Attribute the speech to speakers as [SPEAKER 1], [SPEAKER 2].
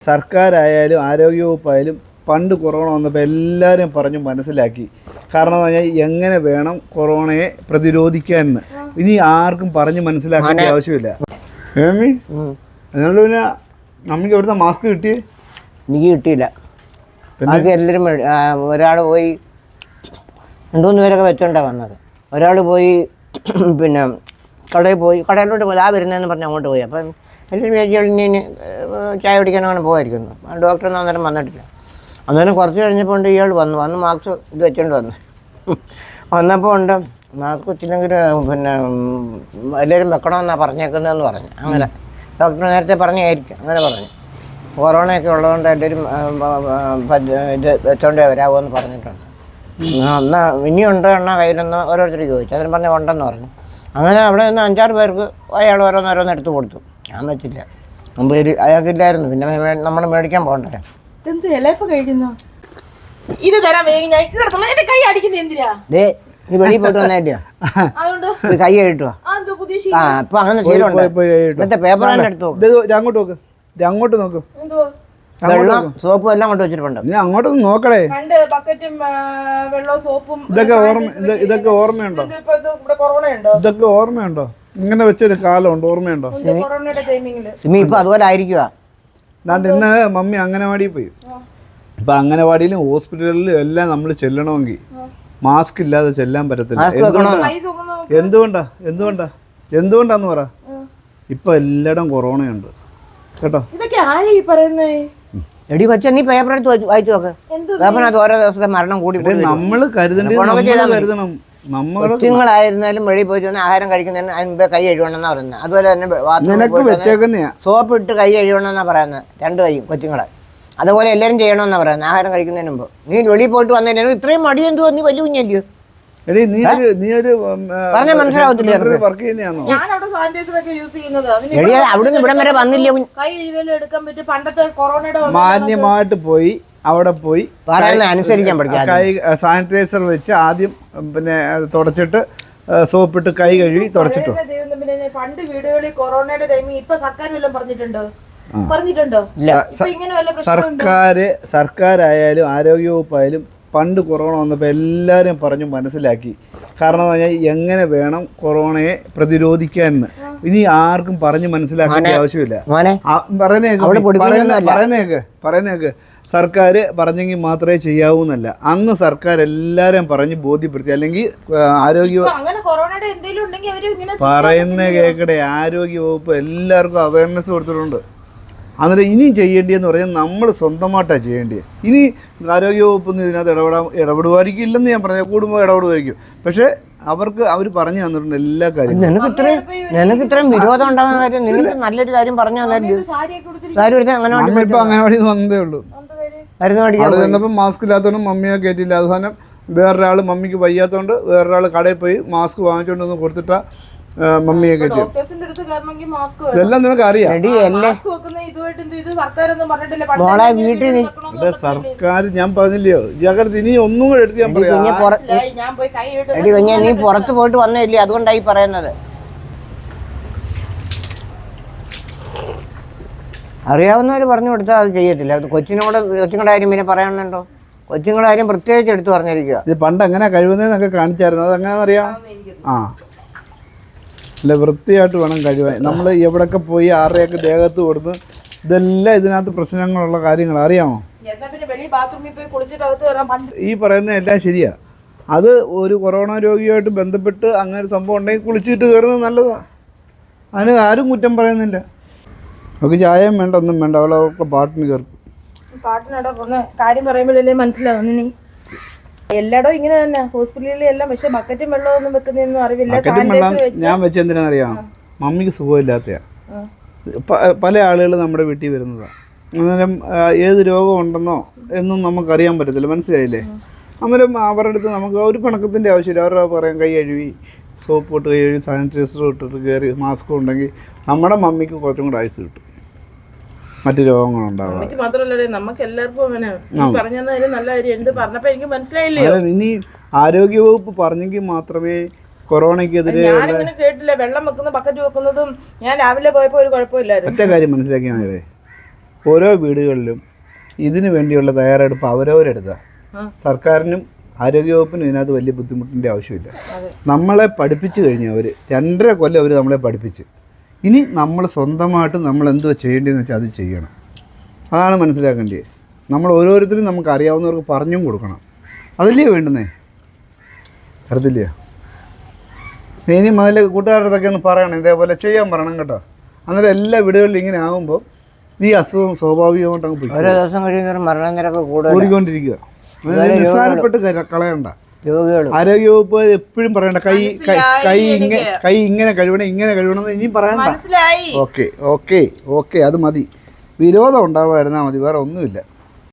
[SPEAKER 1] സർക്കാരായാലും ആരോഗ്യവകുപ്പായാലും പണ്ട് കൊറോണ വന്നപ്പോൾ എല്ലാവരും പറഞ്ഞു മനസ്സിലാക്കി. കാരണം എന്ന് പറഞ്ഞാൽ എങ്ങനെ വേണം കൊറോണയെ പ്രതിരോധിക്കാമെന്ന് ഇനി ആർക്കും പറഞ്ഞ് മനസ്സിലാക്കേണ്ട ആവശ്യമില്ല. എന്നാലും പിന്നെ നമുക്ക് എവിടുന്ന മാസ്ക് കിട്ടി?
[SPEAKER 2] എനിക്ക് കിട്ടിയില്ല. ബാക്കി എല്ലാവരും ഒരാൾ പോയി 2-3 പേരൊക്കെ വെച്ചോണ്ടാണ് വന്നത്. ഒരാൾ പോയി പിന്നെ കടയിലോട്ട് പോയി വരുന്നതെന്ന് പറഞ്ഞ് അങ്ങോട്ട് പോയി. അപ്പം എല്ലാവരും വിചാരിച്ചു ചായ കുടിക്കാനങ്ങനെ പോകായിരിക്കുന്നു. ഡോക്ടറൊന്നും അന്നേരം വന്നിട്ടില്ല. അന്നേരം കുറച്ച് കഴിഞ്ഞപ്പോൾ ഉണ്ട് ഇയാൾ വന്ന് മാസ്ക് ഇത് വെച്ചോണ്ട് വന്നപ്പോൾ ഉണ്ട് മാസ്ക് വെച്ചില്ലെങ്കിൽ പിന്നെ എല്ലാവരും വെക്കണമെന്നാണ് പറഞ്ഞേക്കുന്നതെന്ന് പറഞ്ഞു. അങ്ങനെ ഡോക്ടർ നേരത്തെ പറഞ്ഞായിരിക്കും, അങ്ങനെ പറഞ്ഞു. കൊറോണയൊക്കെ ഉള്ളതുകൊണ്ട് എല്ലാവരും ഇത് വെച്ചോണ്ടേ വരാമോന്ന് പറഞ്ഞിട്ടുണ്ട്. എന്നാൽ ഇനിയുണ്ടോ എണ്ണ കയ്യിലെന്ന് ഓരോരുത്തർ ചോദിച്ചു. അതിന് പറഞ്ഞാൽ ഉണ്ടെന്ന് പറഞ്ഞു. അങ്ങനെ അവിടെ നിന്ന് 5-6 പേർക്ക് അയാൾ ഓരോന്നോരോന്ന് എടുത്ത് കൊടുത്തു. ഞാൻ വെച്ചില്ല, മുമ്പ് അയാൾക്കില്ലായിരുന്നു. പിന്നെ നമ്മൾ മേടിക്കാൻ പോകണ്ടേ.
[SPEAKER 3] എന്ത് ഇലയപ്പം കഴിക്കുന്നു? ഇത് തരാൻ കൈ അടിക്കുന്ന എന്തിനാ?
[SPEAKER 2] നീ വെളിയിൽ പോയിട്ട് വന്നേറ്റിയാ കൈ കഴിട്ടുവാ. അപ്പൊ അങ്ങനെ ശീലമുണ്ട്. മറ്റേ പേപ്പർ തന്നെ എടുത്തു
[SPEAKER 1] അങ്ങോട്ട് നോക്ക്.
[SPEAKER 2] വെള്ളം സോപ്പും എല്ലാം കൊണ്ട് വെച്ചിട്ടുണ്ട്.
[SPEAKER 1] നീ അങ്ങോട്ടൊന്ന് നോക്കടേ.
[SPEAKER 3] ബക്കറ്റും വെള്ളവും സോപ്പും
[SPEAKER 1] ഇതൊക്കെ ഓർമ്മയുണ്ടോ? ഇതൊക്കെ ഓർമ്മയുണ്ടോ? ഇങ്ങനെ വെച്ചൊരു കാലമുണ്ട്, ഓർമ്മയുണ്ടോ?
[SPEAKER 2] സിമി ഇപ്പൊ അതുപോലെ ആയിരിക്കുവാ.
[SPEAKER 1] ഇന്ന് മമ്മി അംഗനവാടിയിൽ പോയി. ഇപ്പൊ അംഗനവാടിയിലും ഹോസ്പിറ്റലിലും എല്ലാം നമ്മൾ ചെല്ലണമെങ്കിൽ മാസ്ക് ഇല്ലാതെ ചെല്ലാൻ പറ്റത്തില്ല. എന്തുകൊണ്ടാന്ന് പറ. ഇപ്പൊ എല്ലായിടം കൊറോണയുണ്ട് കേട്ടോ.
[SPEAKER 3] ഇതൊക്കെ ആരാ ഈ പറയുന്നേ?
[SPEAKER 2] എടി വെച്ച നീ പേപ്പർ എടുത്ത് വായിച്ചു നോക്ക്. പേപ്പറിനകത്ത് ഓരോ ദിവസത്തെ മരണം കൂടി
[SPEAKER 1] നമ്മള് കരുതണം.
[SPEAKER 2] കൊച്ചുങ്ങളായിരുന്നാലും വെളിയിൽ പോയി വന്ന് ആഹാരം കഴിക്കുന്നതിന് അതിന് മുമ്പേ കൈ കഴുകണമെന്നാ പറയുന്നത്. അതുപോലെ തന്നെ സോപ്പ് ഇട്ട് കൈ കഴുകണമെന്നാ പറയുന്നത്. 2 കൈയും കൊച്ചുങ്ങളെ അതുപോലെ എല്ലാവരും ചെയ്യണമെന്നാ പറയുന്നത് ആഹാരം കഴിക്കുന്നതിന് മുമ്പ്. നീ വെളിയിൽ പോയിട്ട് വന്നതിന് ഇത്രയും മടി എന്തുവാ? നീ വലിയ കുഞ്ഞല്ലയോ? അവിടുന്ന് ഇവിടം വരെ വന്നില്ല.
[SPEAKER 1] മാന്യമായിട്ട് പോയി അവിടെ പോയി
[SPEAKER 2] പറയുന്നത് അനുസരിക്കാൻ പഠിക്കാം.
[SPEAKER 1] കൈ സാനിറ്റൈസർ വെച്ച് ആദ്യം പിന്നെ തുടച്ചിട്ട് സോപ്പിട്ട് കൈ കഴുകി തുടച്ചിട്ടു.
[SPEAKER 3] പണ്ട് വീടുകളിൽ കൊറോണയുടെ ടൈമിൽ ഇപ്പൊ സർക്കാർ വല്ലതും പറഞ്ഞിട്ടുണ്ടോ?
[SPEAKER 1] സർക്കാരായാലും ആരോഗ്യവകുപ്പായാലും പണ്ട് കൊറോണ വന്നപ്പോൾ എല്ലാവരും പറഞ്ഞു മനസ്സിലാക്കി. കാരണം എന്ന് പറഞ്ഞാൽ എങ്ങനെ വേണം കൊറോണയെ പ്രതിരോധിക്കാമെന്ന് ഇനി ആർക്കും പറഞ്ഞ് മനസ്സിലാക്കേണ്ട ആവശ്യമില്ല. പറയുന്നേക്ക് സർക്കാർ പറഞ്ഞെങ്കിൽ മാത്രമേ ചെയ്യാവൂന്നല്ല. അന്ന് സർക്കാർ എല്ലാവരും പറഞ്ഞ് ബോധ്യപ്പെടുത്തി. അല്ലെങ്കിൽ പറയുന്ന കേൾക്കട്ടെ, ആരോഗ്യവകുപ്പ് എല്ലാവർക്കും അവയർനെസ് കൊടുത്തിട്ടുണ്ട്. അന്നേരം ഇനി ചെയ്യേണ്ടിയെന്ന് പറഞ്ഞാൽ നമ്മൾ സ്വന്തമായിട്ടാണ് ചെയ്യേണ്ടത്. ഇനി ആരോഗ്യവകുപ്പൊന്നും ഇതിനകത്ത് ഇടപെടുമായിരിക്കും ഇല്ലെന്ന് ഞാൻ പറഞ്ഞാൽ, കൂടുമ്പോൾ ഇടപെടുമായിരിക്കും. പക്ഷേ അവർ പറഞ്ഞു തന്നിട്ടുണ്ട് എല്ലാ കാര്യങ്ങളും.
[SPEAKER 2] നിനക്ക് ഇത്രയും വിരോധം ഉണ്ടാകുന്ന കാര്യം നിനക്ക് നല്ലൊരു കാര്യം പറഞ്ഞു തന്നിട്ട്
[SPEAKER 1] ഇപ്പൊ അംഗനവാടി വന്നതേ ഉള്ളൂ. അവിടെ ചെന്നപ്പോൾ മാസ്ക് ഇല്ലാത്തതുകൊണ്ട് മമ്മിയെ കയറ്റിയില്ല. അവസാനം വേറൊരാൾ മമ്മിക്ക് വയ്യാത്തതുകൊണ്ട് വേറൊരാൾ കടയിൽ പോയി മാസ്ക് വാങ്ങിച്ചുകൊണ്ടൊന്ന് കൊടുത്തിട്ടാ മമ്മിയെ കയറ്റി. ഇതെല്ലാം നിനക്ക് അറിയാം. സർക്കാർ ഞാൻ പറഞ്ഞില്ലയോ ജാഗ്രത. ഇനി ഒന്നും കൂടെ എടുത്ത് ഞാൻ പറയാം.
[SPEAKER 2] നീ പുറത്ത് പോയിട്ട് വന്നില്ലേ, അതുകൊണ്ടായി പറയുന്നത്. അറിയാവുന്നവർ പറഞ്ഞു കൊടുത്താൽ അത് ചെയ്യത്തില്ല. അത് കൊച്ചുങ്ങളുടെ കാര്യം പിന്നെ പറയാനുണ്ടോ? കൊച്ചുങ്ങളുടെ കാര്യം പ്രത്യേകിച്ച് എടുത്ത് പറഞ്ഞിരിക്കുക.
[SPEAKER 1] ഇത് പണ്ട് എങ്ങനെ കഴിവുന്നതെന്നൊക്കെ കാണിച്ചായിരുന്നു. അതെങ്ങനെ അറിയാം? അല്ല, വൃത്തിയായിട്ട് വേണം കഴിവാൻ. നമ്മൾ എവിടെയൊക്കെ പോയി ആരുടെയൊക്കെ ദേഹത്ത് കൊടുത്ത് ഇതെല്ലാം ഇതിനകത്ത് പ്രശ്നങ്ങളുള്ള കാര്യങ്ങൾ അറിയാമോ? ഈ പറയുന്ന എല്ലാം ശരിയാ. അത് ഒരു കൊറോണ രോഗിയായിട്ട് ബന്ധപ്പെട്ട് അങ്ങനെ സംഭവം ഉണ്ടെങ്കിൽ കുളിച്ചിട്ട് കയറുന്നത് നല്ലതാണ്. അതിന് ആരും കുറ്റം പറയുന്നില്ല. അവർക്ക് ചായയും വേണ്ട, ഒന്നും വേണ്ട, അവളൊക്കെ പാട്ടിന് കയറും.
[SPEAKER 3] കാര്യം പറയുമ്പോഴല്ലേ മനസ്സിലാവും. എല്ലായിടവും ഇങ്ങനെ തന്നെ ഹോസ്പിറ്റലിൽ എല്ലാം. പക്ഷെ ബക്കറ്റും വെള്ളമൊന്നും വെക്കുന്നൊന്നും അറിവില്ല.
[SPEAKER 1] ഞാൻ വെച്ചെന്തിനാണെന്നറിയാം, മമ്മിക്ക് സുഖമില്ലാത്തയാ. പല ആളുകൾ നമ്മുടെ വീട്ടിൽ വരുന്നതാണ്. അന്നേരം ഏത് രോഗം ഉണ്ടെന്നോ എന്നും നമുക്കറിയാൻ പറ്റത്തില്ല. മനസ്സിലായില്ലേ? അന്നേരം അവരുടെ അടുത്ത് നമുക്ക് ഒരു പിണക്കത്തിൻ്റെ ആവശ്യമില്ല. അവരുടെ പറയാം കൈ കഴുകി സോപ്പ് ഇട്ട് കൈ കഴുകി സാനിറ്റൈസർ ഇട്ടിട്ട് കയറി മാസ്ക് ഉണ്ടെങ്കിൽ നമ്മുടെ മമ്മിക്ക് കുറച്ചും കൂടെ ആയുസ് കിട്ടും. മറ്റു രോഗങ്ങളുണ്ടാകും. ഇനി ആരോഗ്യവകുപ്പ് പറഞ്ഞെങ്കിൽ മാത്രമേ കൊറോണയ്ക്കെതിരെ
[SPEAKER 3] കേട്ടില്ല. വെള്ളം വെക്കുന്ന ബക്കറ്റ് വെക്കുന്നതും ഞാൻ രാവിലെ പോയപ്പോൾ ഒരു കുഴപ്പമില്ലായിരുന്നു.
[SPEAKER 1] ഒറ്റ കാര്യം മനസ്സിലാക്കിയാൽ മതി. ഓരോ വീടുകളിലും ഇതിനു വേണ്ടിയുള്ള തയ്യാറെടുപ്പ് അവരവരെടുക്കുക. സർക്കാരിനും ആരോഗ്യവകുപ്പിനും ഇതിനകത്ത് വലിയ ബുദ്ധിമുട്ടിൻ്റെ ആവശ്യമില്ല. നമ്മളെ പഠിപ്പിച്ചു കഴിഞ്ഞു അവർ 2.5 കൊല്ലം അവർ നമ്മളെ പഠിപ്പിച്ച്. ഇനി നമ്മൾ സ്വന്തമായിട്ട് നമ്മൾ എന്തുവാ ചെയ്യേണ്ടതെന്ന് വെച്ചാൽ അത് ചെയ്യണം. അതാണ് മനസ്സിലാക്കേണ്ടത്. നമ്മൾ ഓരോരുത്തരും നമുക്ക് അറിയാവുന്നവർക്ക് പറഞ്ഞും കൊടുക്കണം. അതല്ലേ വേണ്ടുന്നേ, അറിയത്തില്ല. ഇനിയും അതിലെ കൂട്ടുകാരുടെ അടുത്തൊക്കെ ഒന്ന് പറയണം, ഇതേപോലെ ചെയ്യാൻ പറയണം കേട്ടോ. അന്നേരം എല്ലാ വീടുകളിലും ഇങ്ങനെ ആകുമ്പോൾ ഈ അസുഖം സ്വാഭാവികമായിട്ട് അങ്ങ് പോയി
[SPEAKER 2] ഓരോ ദിവസം കഴിയുന്നവരും മരണനിരക്ക്
[SPEAKER 1] കൂടിക്കൊണ്ടിരിക്കുക. നിസ്സാരപ്പെട്ട് കളയണ്ട.
[SPEAKER 2] രോഗികൾ
[SPEAKER 1] ആരോഗ്യവകുപ്പ് എപ്പോഴും പറയണ്ട കൈ ഇങ്ങനെ കഴുകണം ഇങ്ങനെ കഴുകണം എന്ന് ഇനിയും പറയണ്ട. ഓക്കെ ഓക്കെ ഓക്കെ, അത് മതി. വിരോധം ഉണ്ടാവാതിരുന്നാൽ മതി, വേറെ ഒന്നുമില്ല.